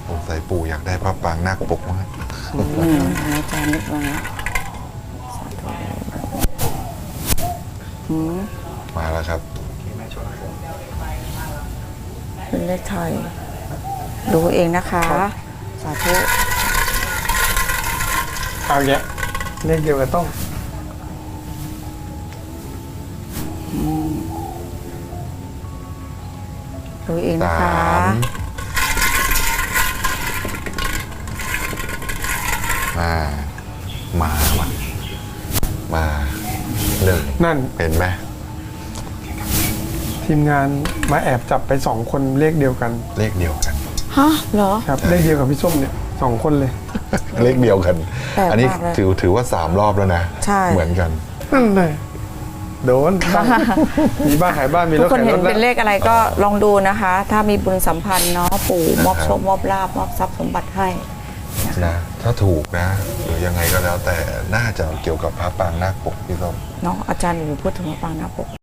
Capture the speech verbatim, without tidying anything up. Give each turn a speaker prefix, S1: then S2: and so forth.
S1: สงสัยปู่อยากได้พระปรางนาคปกมาก
S2: อืมอาจารย์นึกว่าไงสาธุอืม
S1: มาแล้วครับ
S2: เป็นเลขไทยดูเองนะคะสาธุ
S3: เอาเนี้ยเลขเดียวกันต้อง
S2: ดูเองนะคะ
S1: สามมามาว่ะมาหนึ่ง
S3: นั่น
S1: เห็นไหม
S3: ทีมงานมาแอบจับไปสองคนเลขเดียวกัน
S1: เลขเดียวกัน
S2: ฮะเหรอ
S3: ครับเลขเดียวกับพี่ส้มเนี่ยสองคนเลย
S1: เลขเดียวกัน
S2: แปลกมากเลย
S1: อันนี้ถือถือว่าสามรอบแล้วนะ
S2: ใช่
S1: เหมือนกัน
S3: นั่นเลยโดนบ้านมีบ้านขายบ้านมี
S2: ทุ
S3: ร
S2: ก
S3: ถ
S2: คน
S3: ขาย
S2: เห็
S3: ร
S2: น
S3: ถ
S2: เป็นเลขอะไรก็ลองดูนะคะ ถ้ามีบุญสัมพันธ์เนาะปู่มอบโชคมอบลาบมอบทรัพย์สมบัติให้
S1: นะ ถ้าถูกนะ หรือยังไงก็แล้วแต่น่าจะเกี่ยวกับพระปรางนาคปกพี่ส้ม
S2: เนาะอาจารย์อยู่พูดถึงพระปรางนาคปก